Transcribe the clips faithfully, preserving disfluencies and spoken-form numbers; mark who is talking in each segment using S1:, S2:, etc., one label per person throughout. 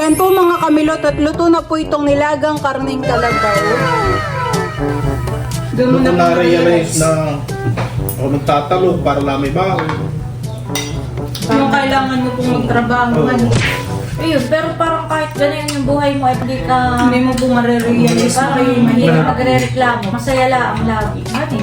S1: Yan po mga kamilot at luto na po itong nilagang karneng kalabaw. Doon mo
S2: Doon
S1: na
S2: ko
S1: po
S2: na-realize na ako nagtatalo para lang may baon.
S1: yung kailangan mo pong magtrabaho.
S2: Oo.
S3: Ayun, pero parang kahit ganyan yung buhay mo, ay hindi ka...
S1: Hindi mo po marirealize na
S3: Parang
S1: kayo
S3: hindi
S1: mahirap.
S3: ka magre-reklamo. Masaya lang lagi. Ano?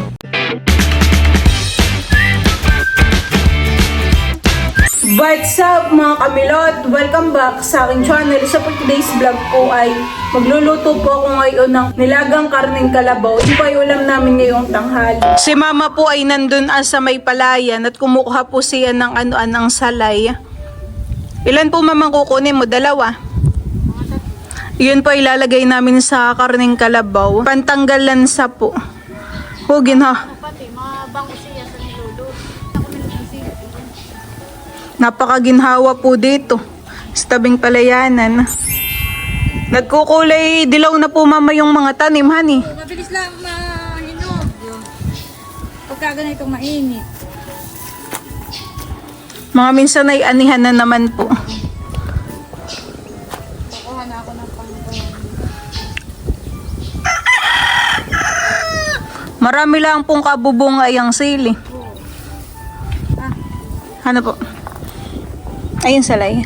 S1: What's up mga kamilot? Welcome back sa aking channel. Sa today's vlog po ay magluluto po ako ngayon ng nilagang karneng kalabaw. Ito po ay ulam namin ngayong tanghali. Si mama po ay nandun ah, sa may palayan at kumukuha po siya ng ano-an ng salay. Ilan po mamang kukunin mo? Dalawa? Yun po ilalagay namin sa karneng kalabaw. Pantanggal lansa po. Hugin ha.
S3: Pati, mabango siya sa nilulo.
S1: Napakaginhawa po dito sa tabing palayanan. Nagkukulay dilaw na po mama yung mga tanim, honey.
S3: Mabilis lang mahinog. Pagka ganitong mainit.
S1: Mga minsan ay anihan na naman po.
S3: Kukuha na ako ng pangkuhan.
S1: Marami lang pong kabubungay ang sili. Ano po? Ayun salay.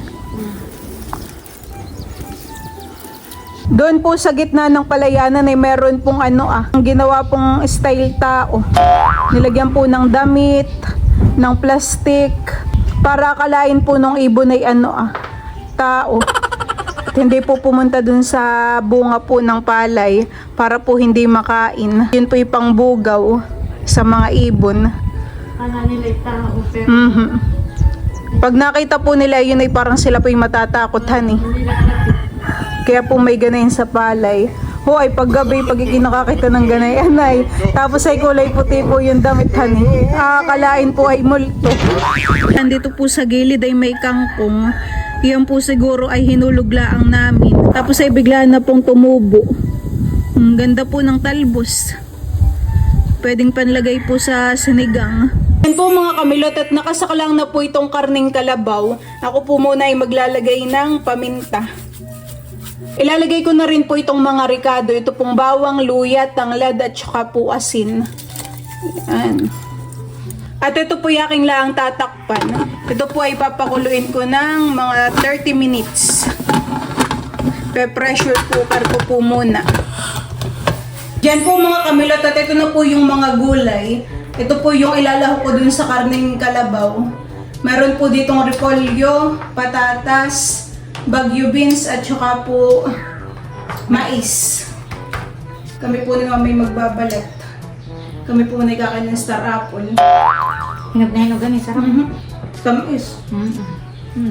S1: Doon po sa gitna ng palayanan ay meron pong ano ah, ang ginawa pong style tao. Nilagyan po ng damit, ng plastic, para akalain po nung ibon ay ano ah, tao. At hindi po pumunta dun sa bunga po ng palay para po hindi makain. Yun po yung pangbugaw sa mga ibon.
S3: Kala nila yung tao, pero
S1: Mhm. Pag nakita po nila yun ay parang sila po yung matatakot honey. Kaya po may ganayin sa palay. Ho ay paggabi pag ikinakakita ng ganayan ay tapos ay kulay puti po yung damit honey. Akalain po ay multo. Nandito po sa gilid ay may kangkong. Yan po siguro ay hinuluglaang namin. Tapos ay bigla na pong tumubo. Ang ganda po ng talbos. Pwedeng panlagay po sa sinigang. Yan po mga kamilot at nakasaklang na po itong karneng kalabaw. Ako po muna ay maglalagay ng paminta. Ilalagay ko na rin po itong mga ricado. Ito pong bawang, luya, tanglad at saka po asin. Yan. At ito po yung aking laang tatakpan. Ito po ay papakuluin ko ng mga thirty minutes. Pe-pressure cooker ko po muna. Yan po mga kamilot at ito na po yung mga gulay. Ito po yung ilalahok ko dun sa karneng kalabaw. Meron po ditong repolyo, patatas, bagyo beans at saka po mais. Kami po ni mami magbabalat. Kami po nagkakain ng star apple.
S3: hinog na hinog ganun, sarap.
S1: Mhm. Tamis.
S3: Mm-hmm.
S1: Hmm.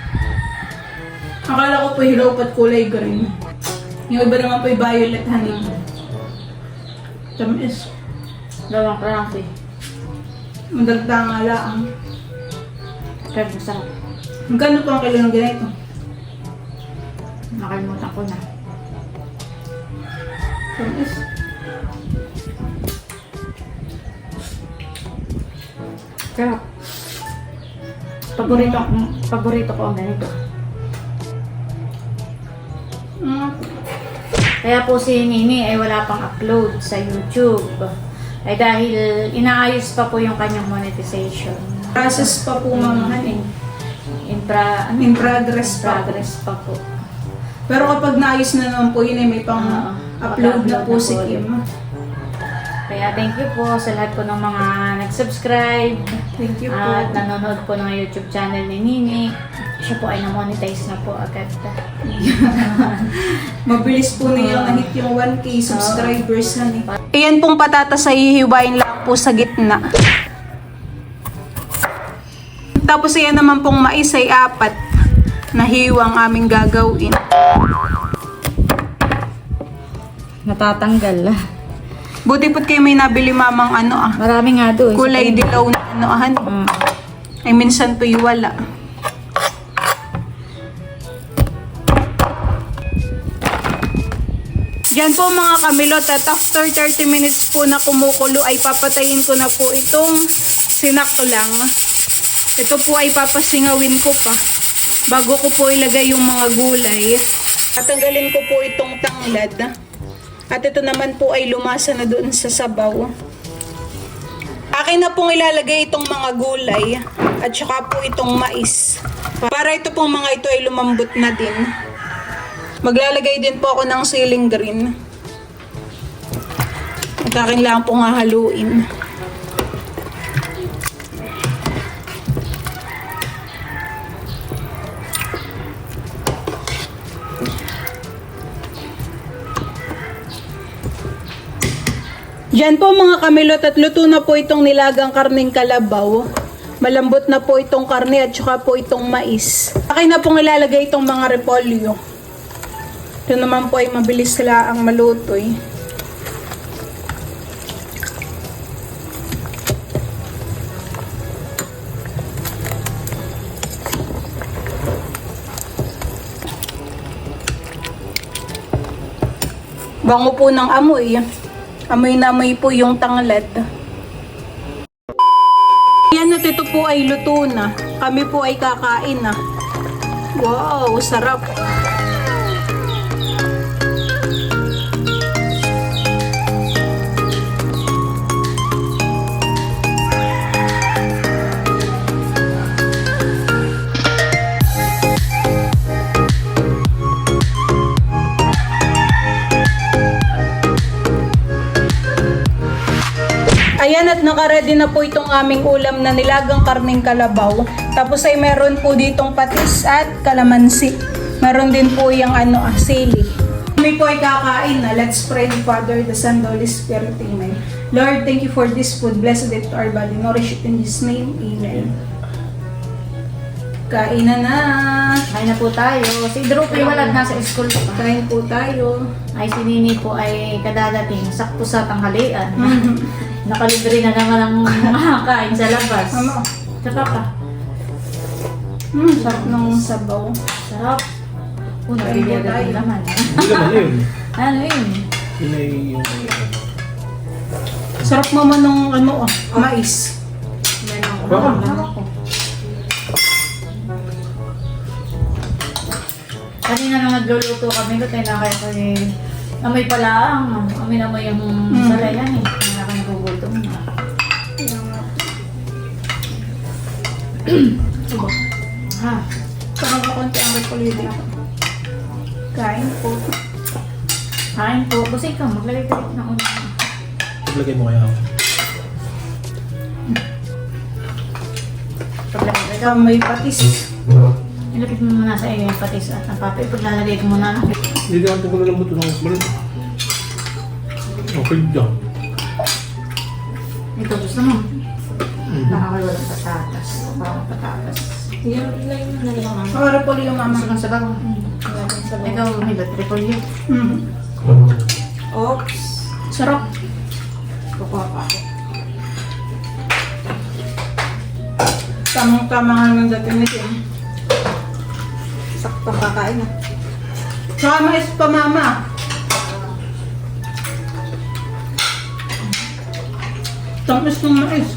S1: Akala ko po hilaw pat kulay green. Yung iba naman po yung violet honey. Tamis.
S3: Dalawang klase.
S1: Madagdag nga lang.
S3: Pero masarap.
S1: Magkano po ang kilo ng ganito?
S3: Nakalimutan ko na.
S1: Tamis.
S3: Pero, paborito, paborito ko ang ganito.
S1: Mm.
S3: Kaya po si Nini ay wala pang upload sa YouTube. Ay dahil inaayos pa po yung kanyang monetization.
S1: Process pa po mga honey.
S3: In, pra, ano?
S1: In progress
S3: In
S1: pa.
S3: progress pa po.
S1: Pero kapag naayos na naman po yun, eh, may pang
S3: Oo.
S1: upload na po
S3: Mag-upload
S1: si
S3: na po
S1: Kim.
S3: Kaya thank you po sa lahat po ng mga nag-subscribe
S1: Thank you po.
S3: at nanonood po ng YouTube channel ni Nini. Siya po ay na-monetize na po agad.
S1: Mabilis po niya na-hit yung one K subscribers honey. Ayan pong patatas ay hihiwain lang po sa gitna. Tapos ayan naman pong mais ay apat na hiwang aming gagawin.
S3: Natatanggal.
S1: Buti po't kayo may nabili mamang ano ah.
S3: Marami nga doon.
S1: Kulay dilaw na ano ah.
S3: Mm.
S1: Ay minsan po'y wala. Yan po mga kamilot at after thirty minutes po na kumukulo ay papatayin ko na po itong sinaklang. Ito po ay papasingawin ko pa. Bago ko po ilagay yung mga gulay, tatanggalin ko po itong tanglad. At ito naman po ay lumasa na doon sa sabaw. Akin na pong ilalagay itong mga gulay at saka po itong mais. Para ito pong mga ito ay lumambot na din. Maglalagay din po ako ng ceiling green. At akin lang pong hahaluin. Diyan po mga kamilot at luto na po itong nilagang karning kalabaw. Malambot na po itong karne at saka po itong mais. Akin na pong ilalagay itong mga repolyo. Ito naman po ay mabilis sila ang malutoy. Bango po ng amoy. Amoy na amoy po yung tanglad. Yan at ito po ay luto na. Kami po ay kakain na. Wow, sarap. Ayan at nakaready na po itong aming ulam na nilagang karning kalabaw. Tapos ay meron po ditong patis at kalamansi. Meron din po yung ano, ah, sili. Kami po ay kakain na. Let's pray the Father, the Son, the Holy Spirit. Amen. Lord, thank you for this food. Blessed it to our body. Nourish it in His name. Amen. Kain na na.
S3: Kain na po tayo. Si Drew po wala nasa school pa.
S1: Kain po tayo.
S3: Ay si Nini po ay kadadating. Sakto sa tanghalian. Nakalibre na naman ang mga kain sa labas.
S1: Ano?
S3: Sarap ka.
S1: Hmm, sarap ng sabaw.
S3: Sarap. Oh, nabibigyan
S1: tayo.
S3: naman.
S2: Hindi naman yun.
S3: Ano yun?
S2: Yun ay yung...
S1: Sarap naman ng ano, ah, mais.
S3: Yan ang
S2: Baka.
S3: hawak ko. Kanina nang nagluluto kami, kaya na kaya ko eh, amoy pala ang, amoy na mo yung
S1: Mm.
S3: salayan eh. Kaya na kami gugutom na. Ha?
S1: Saka ko konti ang repolyo dito. Kain po.
S3: Kain po. Kasi ikaw, maglagay ka rin ng ulam.
S2: Paglagay mo kaya ako.
S3: Paglagay ka.
S1: Ikaw may patis.
S3: Ilapit mo muna sa iyo yung patis at ang papi. Paglalagay ko muna.
S2: Hindi naman po ko lang buto ng balat. Okay dyan.
S3: Ito gusto mo.
S2: Mhm.
S3: Nakakawalang patatas. Parang patatas. Yung line na lang.
S1: Saka repolyo mama.
S3: Gusto kang sabaw. Ikaw, may ba't repolyo?
S1: Mm.
S3: Oops.
S1: Sarap.
S3: Kukuha pa ako.
S1: Tamang-tama nga ng dating nito.
S3: Saktong kakain na.
S1: Saka mais pa mama. Tamis ng mais.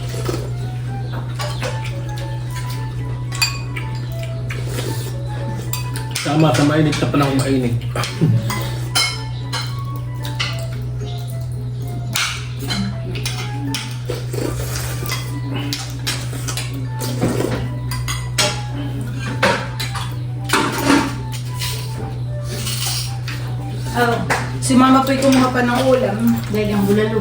S2: Tama, sa mainit ka pa lang mainit.
S3: Oh,
S1: Si mama po'y kumuha pa ng ulam.
S3: dahil yung bulalo.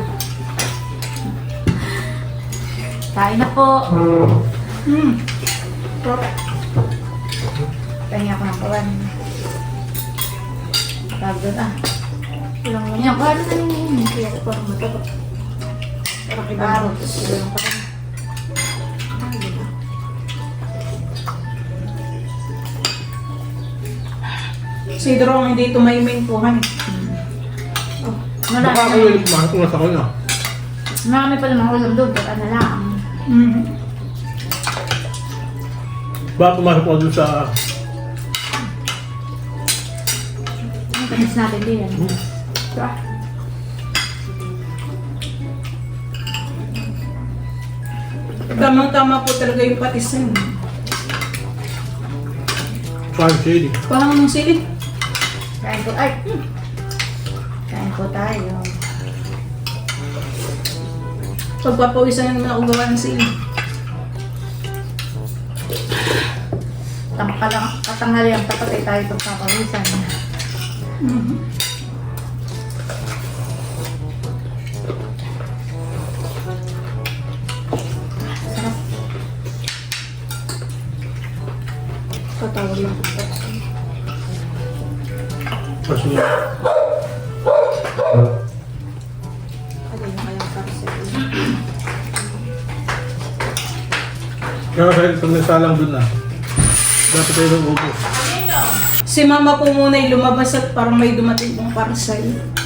S3: Kain na po.
S1: Hmm. Sarap.
S3: Pahinga ko ng kawan. Tagod ah. Ilang lang yan. Kaya na yun. Kaya ko parang mataba. Parang kibaro. Tapos ilang pa rin. Ay, diba?
S1: Si Drong hindi tumayming po. Hani.
S3: Oh,
S2: Baka ako
S3: marami.
S2: yung kumakas ko nasa ko na.
S3: Marami pa namang ulam doon. Pag ano lang.
S1: Mm.
S2: Baka pumasok ko dun sa...
S3: Ang tamis natin din yan.
S1: Sarap. Tamang-tama po talaga yung patisin.
S2: Parang chili.
S1: Parang ng sili.
S3: Kain po. Ay! hmm. Kain po tayo.
S1: Pagpapawisan na naman ako gawa ng sili.
S3: Tama ka lang. Katanghali ang tapat ay tayo pagpapawisan.
S1: Mhm.
S3: Sarap.
S1: Patawag lang.
S2: Kasi
S3: Ano na kayang parcel?
S2: kaya kahit pag nasalang dun na, dapat tayo nang ubos.
S1: Si mama po muna ay lumabas at parang may dumating pong parcel.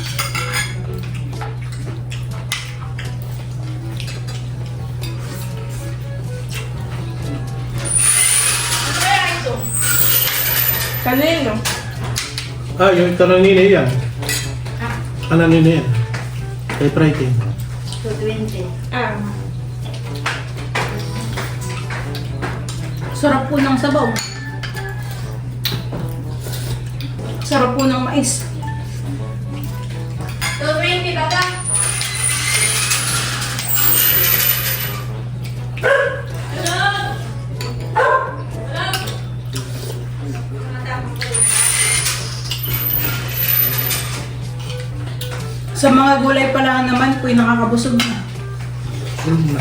S1: Kanino?
S2: Ah, yung kananina yan. Kananina yan. Typewriting.
S3: two twenty.
S1: Ah. Sarap po ng sabaw. Sarap po ng mais.
S3: two twenty ba ba?
S1: Sa mga gulay pa lang naman po, nakakabusog na.
S2: Yun na.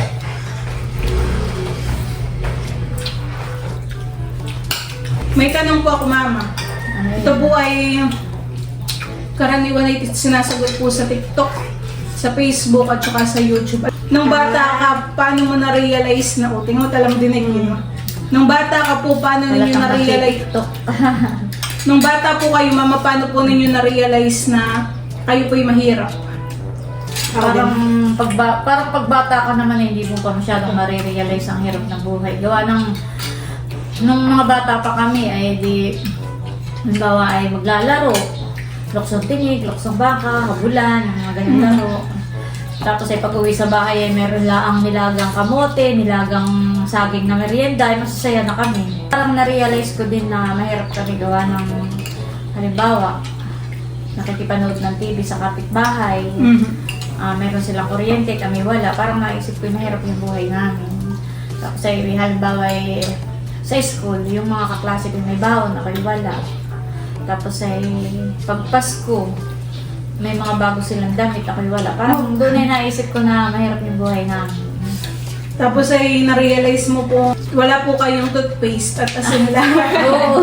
S1: May tanong po ako, mama.
S3: Ano yun?
S1: Ito po ay karaniwan ay sinasagot po sa TikTok, sa Facebook at saka sa YouTube. Nung bata ka, paano mo na-realize na, o tingnan mo talang dinig yun. Nung bata ka po, paano
S3: Wala
S1: ninyo
S3: kang
S1: na-realize?
S3: TikTok.
S1: Nung bata po kayo, mama, paano po ninyo na-realize na kayo po'y mahirap?
S3: Parang pagba, parang pagbata ka naman hindi mo pa masyadong nare-realize ang hirap ng buhay. Gawa ng nung mga bata pa kami ay di halimbawa ay maglalaro. Luksong tinig, luksong baka, habulan, mga ganyan laro. Tapos ay pag-uwi sa bahay ay meron laang nilagang kamote, nilagang saging na merienda, ay masasaya na kami. Parang na-realize ko din na mahirap kami gawa ng halimbawa nakikipanood ng T V sa kapitbahay.
S1: Mhm.
S3: Ah, meron silang kuryente, kami wala. Parang naisip ko, mahirap yung buhay namin. Tapos ay halimbawa ay sa school, yung mga kaklase ko may baon, ako'y wala. Tapos ay pag Pasko, may mga bago silang damit, ako'y wala. Parang doon ay naisip ko na mahirap yung buhay namin.
S1: Tapos ay na-realize mo po, wala po kayong toothpaste at asin lang.
S3: Oo.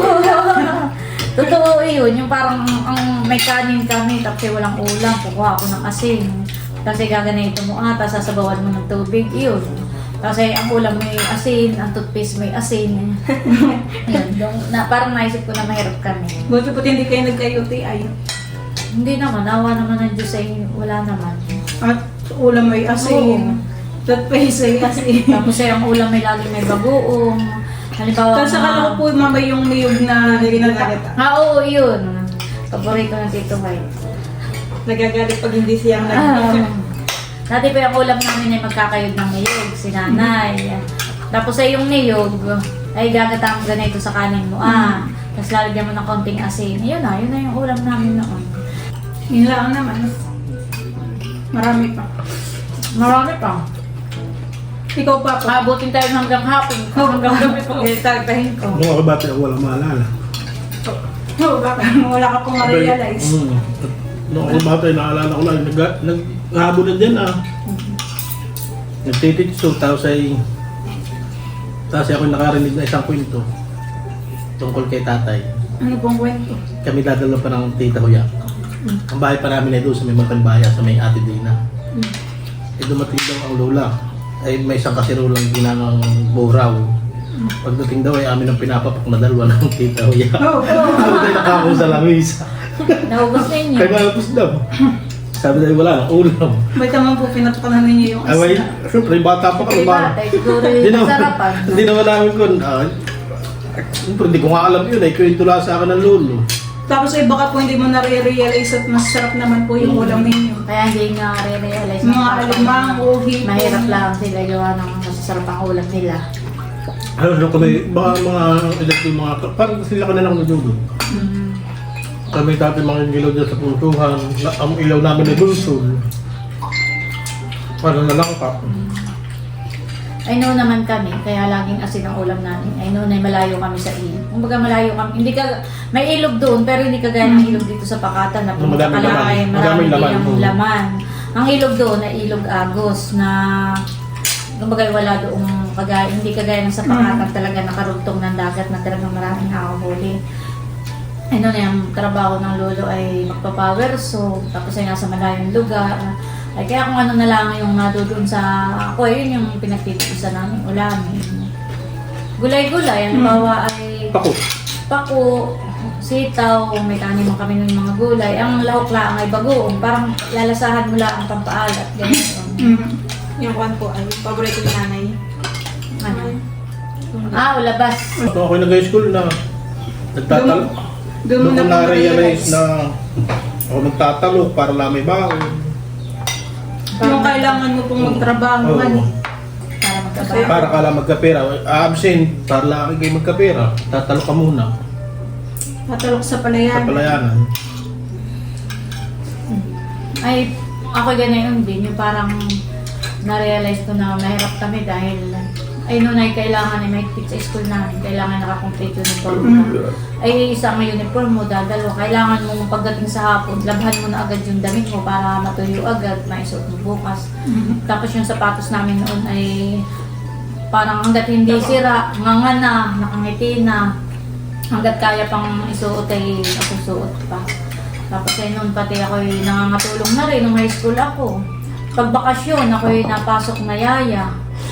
S3: Totoo yun, yung parang ang may kanin kami, tapos ay walang ulam, kukuha ako ng asin. Kasi gaganito mo ata, sasabawan mo ng tubig, yun. Kasi ang ulam may asin, ang toothpaste may asin. Yun, dong- na, parang naisip ko na mahirap kami.
S1: Buti po hindi kayo nagka-U T I.
S3: Hindi naman, awa naman ng Diyos ay wala naman.
S1: At ulam may asin. Toothpaste ay asin.
S3: Tapos ay ang ulam may laging may bagoong. Halimbawa,
S1: Tapos akala ko po mama yung niyog na ginagalit.
S3: Ah, oo, yun. Paborito ng Tito White.
S1: Nagagalit pag hindi siya
S3: Ah, dati pa yung ulam namin ay magkakayod ng niyog, si nanay. Tapos ay yung niyog, ay gagata mo ganito sa kanin mo. Ah, tapos lalagyan mo ng konting asin. Yun na, yun na yung ulam namin noon.
S1: Yun lang naman. Marami pa.
S3: Marami pa.
S1: Ikaw pa po.
S3: Abutin tayo hanggang hapon. Hanggang gabi pa.
S1: Tagtahin ko.
S2: Nung ako bata, wala maalala.
S1: Oo, baka wala ka pong ma-realize.
S2: Mm. Nung ako bata, naalala ko lang, nag- naghahabol na dyan ah. Nagtititso, tapos ay tapos ako nakarinig na isang kwento tungkol kay tatay.
S1: Ano pong kwento?
S2: Kami dadala pa ng tita ko yan. Ang bahay pa namin ay doon sa may Mapanbaya, sa may Ate Dina.
S1: Mm.
S2: Eh dumating daw ang lola. Ay may isang kasirulang ginangang buraw. Pagdating daw ay amin ang pinapapak na dalawa ng tita ko yan.
S1: Oo, oo.
S2: Ako tayo nakako sa langis.
S3: Naubos ninyo.
S2: Kaya malapos daw. Sabi tayo wala ng ulam.
S1: Ba't naman po pinatukanan ninyo yung
S2: Ay, may,
S1: asin?
S2: syempre, bata pa kami.
S3: Kasi bata, siguro
S2: Hindi
S3: yung
S2: naman,
S3: sarapan.
S2: hindi naman namin kung, ah, syempre, hindi ko nga alam yun, ay kwento lang sa akin ng lolo.
S1: Tapos ay baka po hindi mo na-realize at masarap naman po yung ulam ninyo.
S3: Kaya hindi nga re-realize
S1: Mga alimang, uhi.
S3: mahirap lang sila gawa ng masasarap ang ulam nila.
S2: Ano nung kami, mga mga edad yung mga, parang sila ka na lang nadulo.
S3: Mm.
S2: Kami dati mga ilaw dyan sa puntuhan, na, ang ilaw namin ay bunsul. Parang nalangka.
S3: I know naman kami, kaya laging asin ang ulam namin. I know na malayo kami sa ilog. Kumbaga malayo kami, hindi ka, may ilog doon, pero hindi kagaya ng ilog dito sa Pakatan na pumunta ka
S2: Madaming
S3: lang
S2: laman.
S3: ay
S2: Madaming
S3: marami
S2: laman.
S3: din ang laman. Ang ilog doon ay ilog Agos na kumbaga wala doong kagaya, hindi kagaya ng sa Pakatan talaga nakarugtong ng dagat na talagang maraming nakakahuli. Ano na yung trabaho ng lolo ay magpa-power so tapos ay nasa malayong lugar. Ay kaya kung ano na lang yung nadodoon sa ako, yun yung pinagtitipusan namin ulamin. Gulay-gulay, ang bawa ay
S2: Ako.
S3: pako, sitaw, may tanim mo kami ng mga gulay. Ang lahok lang ay bagoong, parang lalasahan mo lang ang pampaalat. Ganyan.
S1: Mm.
S4: Yung kwan po ay paborito ni nanay.
S3: Ano? Ah, ulabas.
S2: Ito ako nag-high school na nagtatalo.
S1: Doon mo
S2: Doon ko
S1: na
S2: na-realize na ako nagtatalo para lang may baon.
S1: Yung kailangan mo pong magtrabaho,
S2: Oo.
S1: ano.
S3: Para magkabaho.
S2: Para ka lang magkapera. Absent, para lang kayo magkapera. Tatalo ka muna
S1: Tatalok sa
S2: sa
S1: palayan.
S2: palayanan.
S3: Ay, ako ganyan din. Yung parang na-realize ko na mahirap kami dahil ay noon ay kailangan ay may sa school namin. Kailangan naka-complete uniform ka. Ay isa ang uniform mo, dadalo. Kailangan mo pagdating sa hapon, labhan mo na agad yung damit mo para matuyo agad, maisuot mo bukas. Tapos yung sapatos namin noon ay parang hanggat hindi sira, nganga na, nakangiti na. Hanggat kaya pang isuot ay ako suot pa. Tapos ay noon pati ako ay nangangatulong na rin nung high school ako. Pag bakasyon, ako ay napasok na yaya.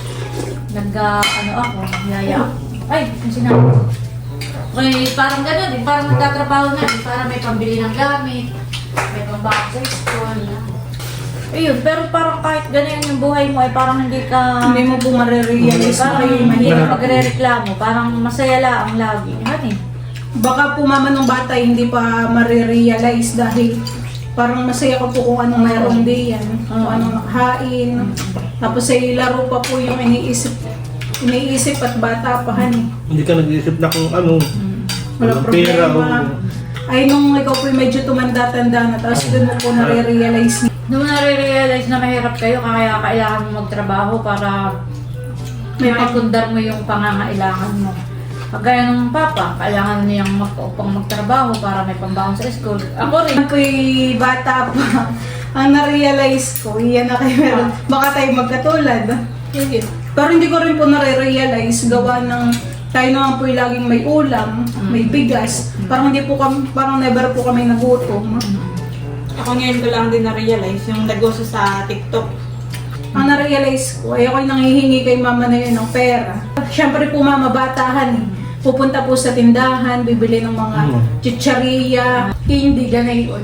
S3: Nag, uh, ano ako, yaya. Ay, yung sinabi ko. Okay, parang gano'n din, parang nagtatrabaho na din, para may pambili ng gamit, may pambakot sa school. Ayun, pero parang kahit ganyan yung buhay mo, ay parang hindi ka...
S1: Hindi mo po marirealize na
S3: Parang
S1: kayo
S3: hindi
S1: mahirap.
S3: ka magre-reklamo, parang masaya lang lagi. Ano eh?
S1: Baka po mama ng bata hindi pa marirealize dahil parang masaya ko po kung anong mayroong diyan, kung anong nakahain. Tapos ay laro pa po yung iniisip, iniisip at bata pa han.
S2: Hindi ka nag-iisip na kung ano.
S1: Walang
S2: pera,
S1: problema.
S2: o-
S1: Ay nung ikaw po medyo tumanda-tanda na, tapos doon mo po nare-realize na
S3: Nung nare-realize na mahirap kayo, kaya kailangan mo magtrabaho para
S1: May
S3: may pundar mo yung pangangailangan mo. Kagaya ng papa, kailangan niyang mag-upang magtrabaho para may pambaon sa school. Ako rin.
S1: Ako bata pa. Ang na-realize ko, iyan na kayo meron. Baka tayo magkatulad. Pero hindi ko rin po nare-realize gawa ng tayo naman po laging may ulam, may bigas. Parang hindi po kami, parang never po kami nagutom.
S4: Ako ngayon ko lang din na-realize yung negosyo sa TikTok.
S1: Ang na-realize ko, ay ako'y nanghihingi kay mama na yun ng pera. Siyempre po mama, batahan eh. Pupunta po sa tindahan, bibili ng mga
S2: Mm.
S1: chicharia, hindi ganayon.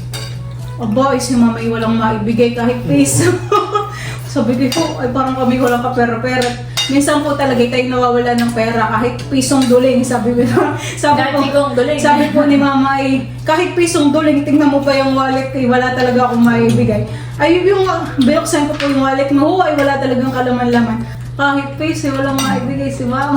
S1: Aba, si mama ay walang maibigay kahit piso. Sabi ko, ay parang kami walang kapera-pera. Minsan po talaga tayo nawawala ng pera kahit pisong duling, sabi ko. Sabi
S3: Kahit
S1: ko,
S3: sigong duling.
S1: sabi po ni mama ay kahit pisong duling, tingnan mo pa yung wallet ko, wala talaga akong maibigay. Ay yung binuksan ko po yung wallet mo, oh, ay wala talagang kalaman-laman. Kahit piso, walang maibigay si mama.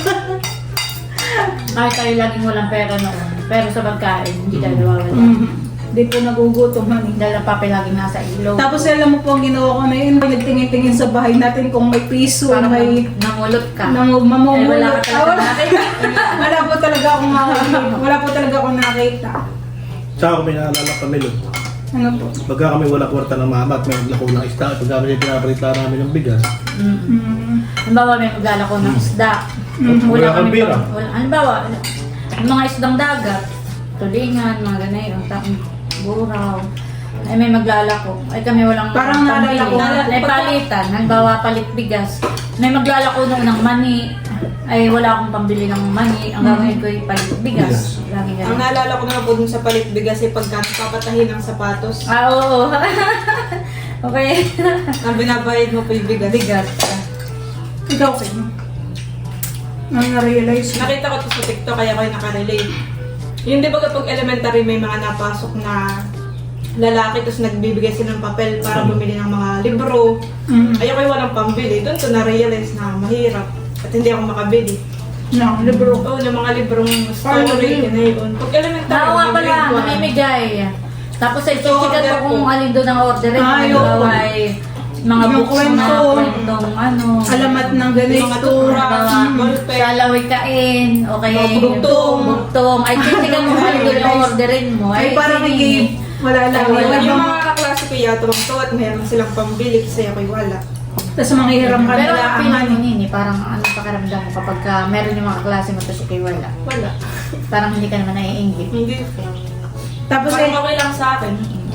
S3: Kahit tayo laging walang pera noon. Pero sa pagkain, hindi tayo nawawala.
S1: Mm. Di po nagugutom man eh.
S3: Dahil ang papi laging nasa ilog.
S1: Tapos alam mo po ang ginawa ko na yun, may nagtingin-tingin sa bahay natin kung may piso,
S3: parang
S1: may
S3: nangulot ka.
S1: nang
S3: Eh,
S1: mamumulot.
S3: wala ka
S1: Ah,
S3: talaga
S1: wala,
S3: nakita.
S1: wala po talaga akong makakita. Wala po talaga akong nakita.
S2: Sa ako may naalala kami nun.
S1: Ano po?
S2: Pagka kami wala kwarta ng mama at may naglako ng isda, pagka kami pinaparita namin ng bigas,
S3: Mm.
S1: Mm.
S3: Halimbawa, may maglalako ng isda.
S1: Mm.
S2: Wala kang pera.
S3: pang- wala- Halimbawa, yung mga isdang dagat, tulingan, mga ganayon, tapos buraw. Ay may maglalako. Ay kami walang
S1: Parang naalala ko.
S3: pambili. Ay palitan. Halimbawa, palit bigas. May maglalako noon ng mani. Ay wala akong pambili ng mani. Ang gagawin ko ay palit bigas. Lagi
S4: Ang
S3: ganun.
S4: naalala ko na po dun sa palit bigas ay pagka papatahin ng sapatos,
S3: Ah, oo. Okay.
S4: ang binabayad mo po yung bigas.
S3: Bigas.
S1: Ikaw kayo. Ang na-realize ko.
S4: Nakita ko to sa TikTok kaya ko yung nakarelate. Yung di ba kapag elementary may mga napasok na lalaki tapos nagbibigay sila ng papel para bumili ng mga libro.
S1: Mm.
S4: Ayaw ko yung walang pambili. Doon ko na-realize na mahirap. At hindi ako makabili.
S1: No, libro.
S4: Oo, ng mga librong story, yun na yun. Pag elementary,
S3: Oo nga
S4: yung
S3: pala,
S4: grade one.
S3: mamimigay. Tapos ay
S4: So,
S3: chichikan
S4: order
S3: ko kung
S4: ko.
S3: alin doon ang order.
S1: Ah,
S3: Kung
S1: yun.
S3: halimbawa ay mga
S1: Yung
S3: books na
S1: kwento.
S3: kwentong ano.
S1: Alamat ng
S4: Mga
S1: ganito.
S4: tura,
S3: Halimbawa,
S4: ballpen.
S3: sa lawikain, o kaya
S4: Mga bugtong.
S3: bugtong. Ay chichikan mo kung alin doon ang orderin mo.
S1: Ay, parang
S3: sige.
S1: hindi, wala lang.
S3: Ay, wala.
S1: Wala
S4: Yung
S1: bang-
S4: mga kaklase ko yata bang to at meron silang pambili kasi ako'y wala.
S1: Tapos manghihiram ka
S3: Pero
S1: nila
S3: ang
S1: ang
S3: feeling
S1: ano.
S3: mo nini, parang ano pakiramdam mo kapag ka meron yung mga klase mo tapos ikay wala.
S4: Wala.
S3: Parang hindi ka naman naiinggit.
S4: Hindi.
S1: Tapos
S4: Parang
S1: eh,
S4: okay lang sa akin.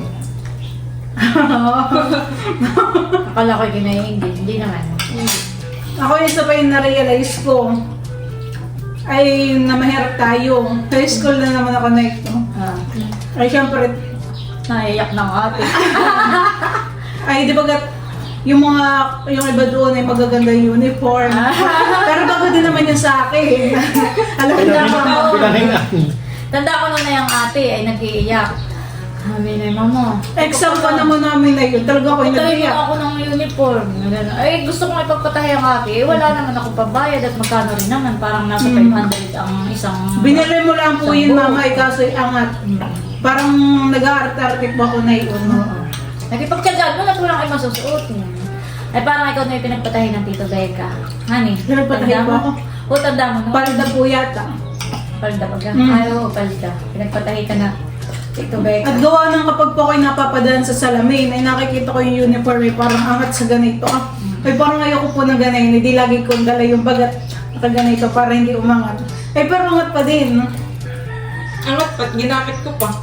S3: Akala ko yung naiinggit, hindi naman.
S1: ako yung isa pa yung na-realize ko ay na mahirap tayo. High school na naman ako na ito.
S3: Ah,
S1: Ay, syempre,
S3: naiyak ng ate.
S1: ay, di ba gat, yung mga, yung iba doon ay magaganda yung uniform. Pero bago din naman yun sa akin. Alam mo na ako.
S2: Pinanghingaan. Pinanghingaan.
S3: Tanda ko nung na yung ate ay nag-iiyak. Sabi na yung mama.
S1: Exam pa naman namin na yun. Talaga ako yung
S3: Patayin mo
S1: nag-iyak.
S3: ako ng uniform. Ganun. Ay, gusto kong ipagpatahi ang ate. Eh, wala naman ako pabayad at magkano rin naman. Parang nasa
S1: Mm.
S3: five hundred ang isang...
S1: Binili mo lang po yun,
S3: Sambo.
S1: mama, eh, kaso angat. Parang nag-art-artic ba ako na yun.
S3: Nagipagtsagaan mo na walang ay masusuotin. Ay parang ikaw na yung pinagpatahi ng Tito Becca. Honey,
S1: Pinagpatahi
S3: tanda
S1: ba
S3: mo?
S1: ako?
S3: O, tanda mo, no?
S1: Palda po yata.
S3: Palda pa ka?
S1: Mm.
S3: Ay, oo, palda. Pinagpatahi ka na Tito Becca.
S1: At gawa ng kapag po ako'y napapadaan sa salamin, ay nakikita ko yung uniform, ay parang angat sa ganito. Ah, ay parang ayoko po ng ganito, hindi lagi kong dala yung bagat nakaganito para hindi umangat. Ay pero angat pa din.
S4: Angat pat, ginamit ko pa.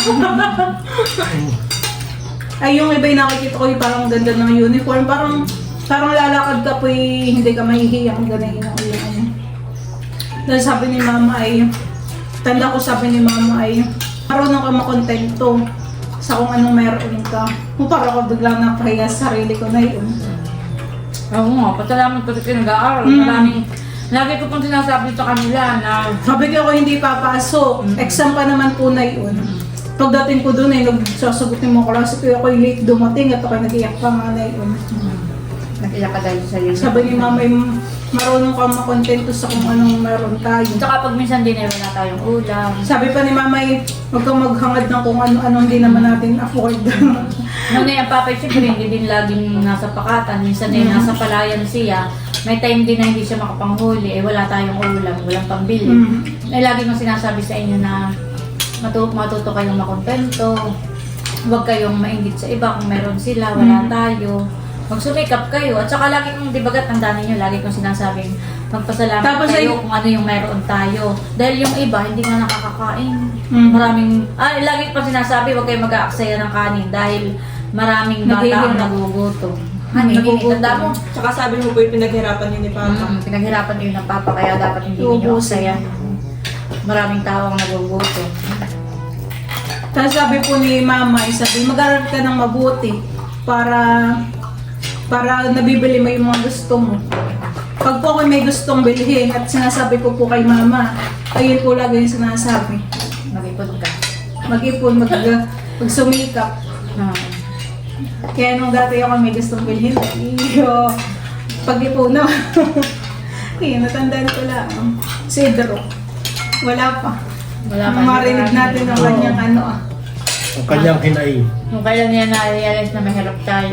S1: Ay yung iba yung nakikita ko yung parang ganda ng uniform, parang parang lalakad ka po hindi ka mahihiyang ganito. Yung, dahil sabi ni mama ay, tanda ko sabi ni mama ay, marunong ka makontento sa kung anong meron ka. Kung parang ako biglang napahiya sa sarili ko na yun.
S3: Oo nga, pasalamat ko sa pinag-aaral.
S1: Mm.
S3: Maraming, lagi ko pong sinasabi sa kanila na
S1: Sabi ko ako hindi papasok. Exam pa naman po na yun. Pagdating ko doon ay nagsasagutin mo klase ko ako yung late dumating at ako nag-iyak pa nga na yun.
S3: nag-iyak ka dahil sa iyo.
S1: Sabi ni mama, "Ay, marunong ka makontento sa kung anong meron tayo."
S3: Tsaka pag minsan din ay wala tayong ulam.
S1: Sabi pa ni mama, "Ay, huwag kang maghangad ng kung ano-ano hindi naman natin afford."
S3: Nung na yung papay, syempre hindi din laging nasa pakatan. Minsan din nasa palayan siya. May time din na hindi siya makapanghuli. Eh wala tayong ulam, walang pambili.
S1: Mm.
S3: Eh lagi kong sinasabi sa inyo na matu matuto kayong makontento. Huwag kayong mainggit sa iba kung meron sila, wala
S1: Mm.
S3: tayo. Magsumikap kayo. At saka lagi kong, di bagat ang dami nyo, lagi kong sinasabing magpasalamat
S1: Tapos
S3: kayo
S1: ay-
S3: kung ano yung meron tayo. Dahil yung iba, hindi nga nakakakain.
S1: Mm.
S3: Maraming, ah, lagi ko pa sinasabi, huwag kayong mag-aaksaya ng kanin dahil maraming bata ang
S1: Naghihirap.
S3: nagugutom. Hani, hindi,
S1: Nagugutom.
S3: tanda mo.
S4: Tsaka sabi mo po yung pinaghirapan yun ni Papa.
S3: Mm, pinaghirapan kayo ng papa, kaya dapat hindi niyo
S1: Ubusin.
S3: aksayan. Maraming tao ang nagugutom.
S1: Tapos sabi po ni mama, ay sabi, mag-aral ka ng mabuti para para nabibili mo yung mga gusto mo. Pag po ako may gustong bilhin at sinasabi ko po kay mama, ayun po lagi yung sinasabi.
S3: Mag-ipon ka.
S1: Mag-ipon, mag, magsumikap.
S3: Ah.
S1: Kaya nung dati ako may gustong bilhin, iyo, pag-ipon na. Kaya natandaan ko lang. Si Idro, wala pa.
S3: Wala pa.
S1: Marinig natin ang kanyang ano ah.
S2: Ang kanyang hinaing.
S3: Kung kailan niya na-realize na mahirap tayo.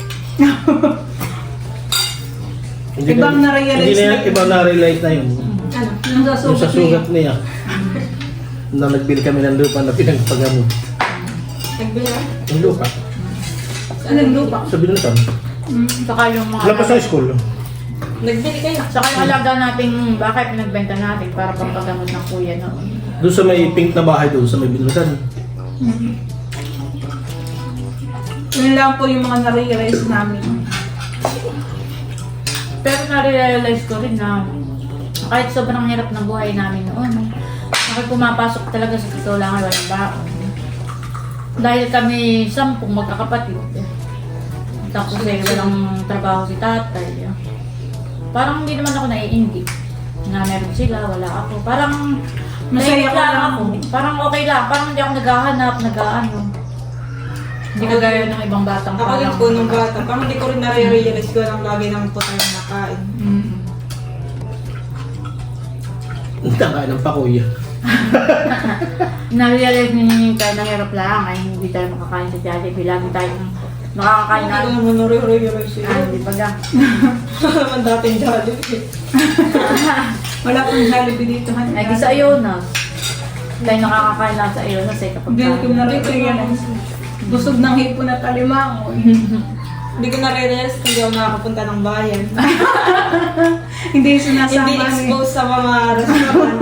S2: Hindi
S1: Ibang
S2: na-
S1: na-realize
S2: hindi na,
S1: na yun.
S2: ibang na-realize na yun.
S4: Ano?
S1: Yung sa
S2: Yung sa
S1: sugat niya.
S2: sugat niya. Na nagbili kami ng lupa na pinagpagamot.
S4: Nagbili ka?
S2: Yung lupa.
S1: Anong lupa?
S2: Sa binutan.
S1: Mm.
S3: Saka yung mga...
S2: Lapas sa school.
S4: Nagbili kayo.
S3: Saka yung alaga natin, bakit pinagbenta natin para pampagamot ng kuya noon.
S2: Doon sa may pink na bahay doon sa may binutan.
S1: Mm. Yun lang po yung mga na-realize namin.
S3: Pero na-realize ko rin na kahit sobrang hirap ng buhay namin noon, bakit pumapasok talaga sa titulangan walang baon. Dahil kami sampung magkakapatid. Tapos eh, walang trabaho si tatay. Parang hindi naman ako naiinggit na meron sila, wala ako. Parang
S1: Masaya
S3: naiinggit
S1: ka
S3: lang
S1: lang.
S3: ako. Parang okay lang. Parang hindi ako naghahanap, nag-ano. Hindi kagaya ng ibang batang
S4: Ako din po nung bata. Parang hindi ko rin nare-realize ko lang lagi naman po tayo nakain.
S3: Mm.
S2: Takain ng pakuya.
S3: Na-realize ninyo yung tayo ng hirap lang ay hindi tayo makakain sa Jollibee. Lagi tayong nakakakain na.
S4: Ano naman nare-re-re siya.
S3: Ah, hindi pa ga.
S4: Naman dating Jollibee.
S1: Wala pong Jollibee dito. Han.
S3: Lagi sa Ionos. Tayo nakakakain lang sa Ionos eh kapag
S1: Hindi ko na
S4: Hindi ko na-
S1: Busog ng hipon at alimango.
S4: Hindi ko na-realize kung hindi ako nakakapunta ng bayan.
S1: Hindi sinasama
S4: Hindi
S1: ni-
S4: exposed sa mga restaurant.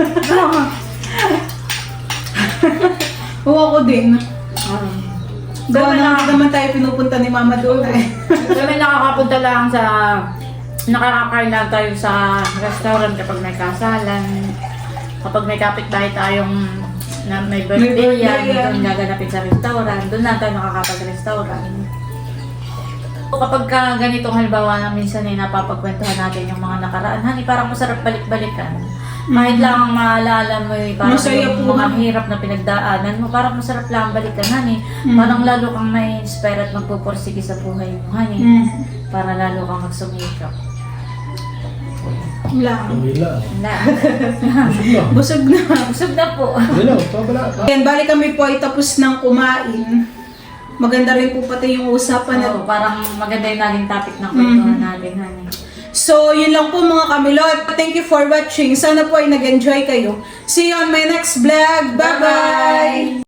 S1: Oo, ako din.
S3: Um,
S1: Gawa
S3: Kami
S1: na
S3: na-
S1: naman tayo pinupunta ni Mama doon eh.
S3: Kami nakakapunta lang sa nakakakain lang tayo sa restaurant kapag may kasalan. Kapag may kapitbahay tayong na may birthday,
S1: birthday
S3: yan,
S1: yan.
S3: doon gaganapin sa restaurant. Doon lang tayo nakakapag-restaurant. O kapag ka ganitong halimbawa na minsan ay napapagkwentuhan natin yung mga nakaraan, honey, parang masarap balik-balikan. Kahit lang ang maalala mo yung parang
S1: Masaya
S3: yung
S1: po.
S3: mga hirap na pinagdaanan mo, parang masarap lang balikan, honey.
S1: Mm.
S3: Parang lalo kang may inspire at magpupursige sa buhay mo, honey.
S1: Mm.
S3: Para lalo kang magsumikap.
S1: Wala.
S2: Ang hila.
S3: Wala.
S2: Busog na.
S1: Busog na.
S3: Busog na po.
S2: Hila, pabala.
S1: Yan, bali kami po ay tapos ng kumain. Maganda rin po pati yung usapan at
S3: Oo, parang maganda yung naging topic ng kwentuhan
S1: Mhm.
S3: natin, honey.
S1: so, yun lang po mga kamilot. Thank you for watching. Sana po ay nag-enjoy kayo. See you on my next vlog. Bye-bye!